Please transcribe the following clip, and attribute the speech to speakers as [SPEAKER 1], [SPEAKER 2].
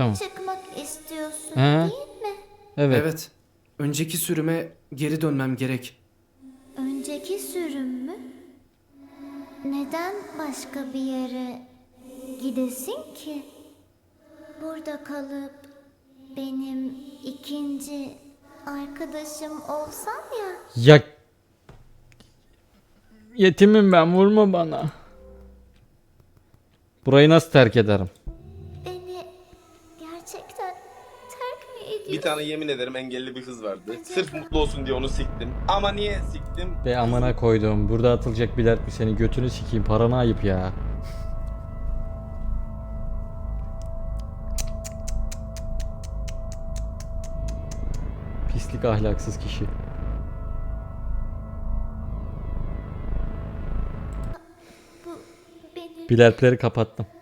[SPEAKER 1] Tamam.
[SPEAKER 2] çıkmak istiyorsun
[SPEAKER 1] He.
[SPEAKER 2] değil mi?
[SPEAKER 1] Evet.
[SPEAKER 3] Evet. Önceki sürüme geri dönmem gerek.
[SPEAKER 2] Önceki sürüm mü? Neden başka bir yere gidesin ki? Burada kalıp benim ikinci arkadaşım olsan ya.
[SPEAKER 1] Ya yetimim ben, vurma bana. Burayı nasıl terk ederim?
[SPEAKER 2] Beni gerçekten terk mi ediyorsun?
[SPEAKER 4] Bir tane yemin ederim engelli bir kız vardı. Sırf mutlu olsun diye onu siktim. Ama niye siktim?
[SPEAKER 1] Be amına koydum. Burada atılacak bir dert mi, seni götünü sikeyim, parana ayıp ya. Pislik, ahlaksız kişi.
[SPEAKER 2] Bu benim
[SPEAKER 1] Biletleri kapattım.